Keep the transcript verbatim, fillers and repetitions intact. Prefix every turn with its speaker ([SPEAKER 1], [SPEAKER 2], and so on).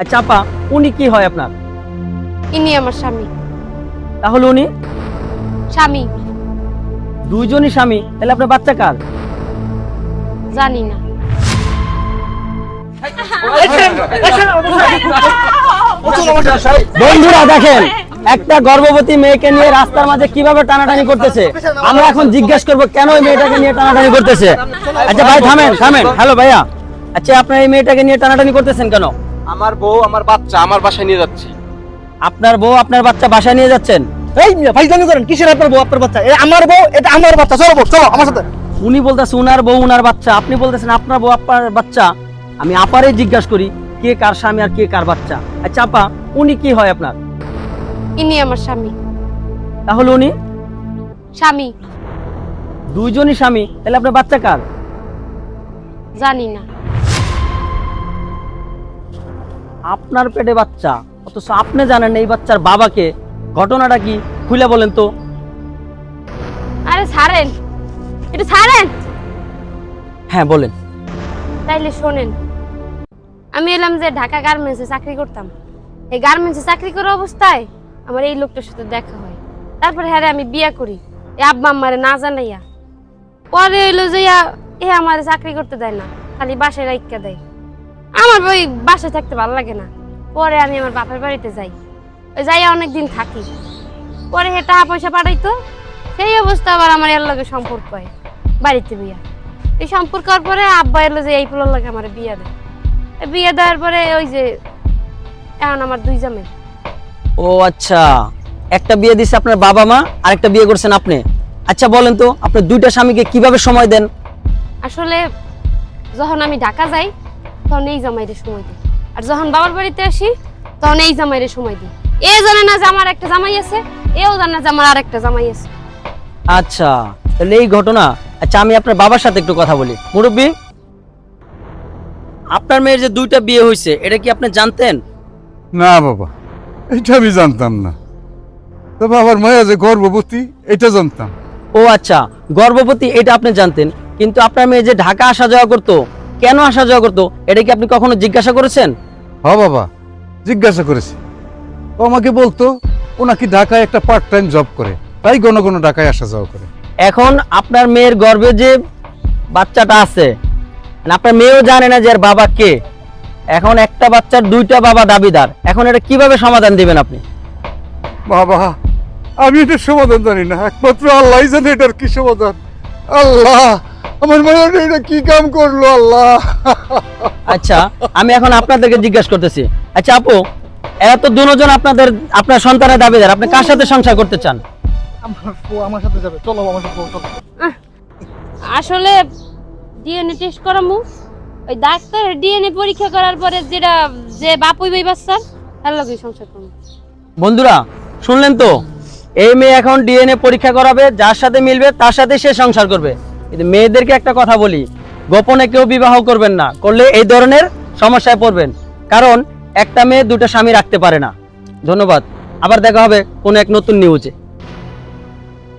[SPEAKER 1] আচ্ছা আপা, উনি কি হয় আপনার?
[SPEAKER 2] ইনি আমার স্বামী।
[SPEAKER 1] তাহলে উনি
[SPEAKER 2] স্বামী
[SPEAKER 1] দুইজনই স্বামী, তাহলে আপনার বাচ্চা কার?
[SPEAKER 2] জানি না।
[SPEAKER 1] বন্ধুরা দেখেন, একটা গর্ভবতী মেয়েকে নিয়ে রাস্তার মাঝে কিভাবে টানাটানি করতেছে। আমরা এখন জিজ্ঞেস করবো কেন ওই মেয়েটাকে নিয়ে টানাটানি করতেছে। আচ্ছা ভাই থামেন থামেন হ্যালো ভাইয়া, আচ্ছা আপনার এই মেয়েটাকে নিয়ে টানাটানি করতেছেন কেন?
[SPEAKER 3] আমার বউ আমার বাচ্চা আমার বাসায় নিয়ে যাচ্ছি।
[SPEAKER 1] আপনার বউ আপনার বাচ্চা বাসায় নিয়ে যাচ্ছেন?
[SPEAKER 4] এই ফাইজলামি করেন, কিসের আপনার বউ আপনার বাচ্চা? এটা আমার বউ, এটা আমার বাচ্চা। চলো বউ, চলো আমার সাথে।
[SPEAKER 1] উনি বলতেছে উনার বউ উনার বাচ্চা, আপনি বলতেছেন আপনার বউ আপনার বাচ্চা। আমি আপারে জিজ্ঞাসা করি কে কার স্বামী আর কে কার বাচ্চা। আচ্ছা আপা, উনি কি হয় আপনার?
[SPEAKER 2] ইনি আমার স্বামী।
[SPEAKER 1] তাহলে উনি
[SPEAKER 2] স্বামী
[SPEAKER 1] দুইজনই স্বামী, তাহলে আপনার বাচ্চা কার?
[SPEAKER 2] জানি না।
[SPEAKER 1] আপনার পেটে বাচ্চা, অথচ আপনি জানেন এই বাচ্চার বাবাকে। ঘটনাটা কি খুলে বলেন তো।
[SPEAKER 2] আরে ছাড়েন, একটু ছাড়েন।
[SPEAKER 1] হ্যাঁ বলেন।
[SPEAKER 2] তাইলে শোনেন, আমি এলাম যে ঢাকা গার্মেন্টসে চাকরি করতাম। এই গার্মেন্টসে চাকরি করার অবস্থায় আমার এই লোকটার সাথে দেখা হয়। তারপরে হ্যাঁ আমি বিয়া করি এই আব্বা আম্মারে না জানাইয়া। পরে এলো যে এ আমার চাকরি করতে দেয় না, খালি বাসায় রাইখা দেয়। আমার ওই বাসায় থাকতে ভালো লাগে না। পরে আমি আমার বাপের বাড়িতে যাই, ওই যাইয়া অনেকদিন থাকি। পরে হে টাকা পয়সা পাঠাইতো, সেই অবস্থা আবার আমার এর লগে সম্পর্ক হয় বাড়িতে বিয়া। এই সম্পর্ক হওয়ার পরে আব্বা এলো যে এই পোলার লাগে আমার বিয়া দেয়। বিয়ে দেওয়ার পরে ওই যে এখন আমার দুই জামাই।
[SPEAKER 1] ও আচ্ছা, একটা বিয়ে দিছে আপনার বাবা মা, আর একটা বিয়ে করছেন আপনি। আচ্ছা বলেন তো, আপনি দুইটা স্বামীকে কিভাবে সময় দেন?
[SPEAKER 2] আসলে যখন আমি ঢাকা যাই তখন এই জামাইরে সময় দিই, আর যখন বাবার বাড়িতে আসি তখন এই জামাইরে সময় দিই। এ জানে না যে আমার একটা জামাই আছে, এও জানে না যে আমার আর একটা জামাই আছে।
[SPEAKER 1] আচ্ছা তাহলে এই ঘটনা। আচ্ছা আমি আপনার বাবার সাথে একটু কথা বলি। মুরব্বী, আপনার মেয়ের যে দুইটা বিয়ে হয়েছে এটা কি আপনি জানতেন?
[SPEAKER 5] না বাবা, এটা আমি জানতাম না। তো বাবার মায়া যে গর্ভবতী এটা জানতাম।
[SPEAKER 1] ও আচ্ছা, গর্ভবতী এটা আপনি জানতেন, কিন্তু আপনার মেয়ে যে ঢাকা আসা যাওয়া করতো, কেন আসা যাওয়া করতো, এটা কি আপনি কখনো জিজ্ঞাসা করেছেন?
[SPEAKER 5] হ বাবা, জিজ্ঞাসা করেছি। ও আমাকে বলতো ও নাকি ঢাকায় একটা পার্ট টাইম জব করে, তাই ঘন ঘন ঢাকায় আসা যাওয়া করে।
[SPEAKER 1] এখন আপনার মেয়ের গর্ভে যে বাচ্চাটা আছে, আপনার মেয়েও জানে না যে এর বাবা কে। এখন একটা বাচ্চার দুইটা বাবা দাবিদার, এখন এটা কিভাবে সমাধান দিবেন আপনি?
[SPEAKER 5] বাবা আমি এটার সমাধান জানি না, একমাত্র আল্লাহ জানে এটার কি সমাধান। আল্লাহ, আমার মায়া এটা কি কাম করলো আল্লাহ।
[SPEAKER 1] আচ্ছা আমি এখন আপনাদেরকে জিজ্ঞাসা করতেছি, আচ্ছা আপু, এরা তো দুজন আপনাদের আপনার সন্তানের দাবিদার, আপনি কার সাথে সংসার করতে চান?
[SPEAKER 4] আমার বউ আমার সাথে যাবে, চলো আমার সাথে, চলো।
[SPEAKER 2] আহ, আসলে ডিএনএ টেস্ট করামু, ওই ডাক্তার ডিএনএ পরীক্ষা করার পরে যেটা যে বাপ হইবে বাচ্চার তার লগে সংসার করব।
[SPEAKER 1] বন্ধুরা শুনলেন তো, এই মেয়ে এখন ডিএনএ পরীক্ষা করাবে, যার সাথে মিলবে তার সাথে সে সংসার করবে। কিন্তু মেয়েদেরকে একটা কথা বলি, গোপনে কেউ বিবাহ করবেন না, করলে এই ধরনের সমস্যায় পড়বেন। কারণ একটা মেয়ে দুটো স্বামী রাখতে পারে না। ধন্যবাদ, আবার দেখা হবে কোনো এক নতুন নিউজে।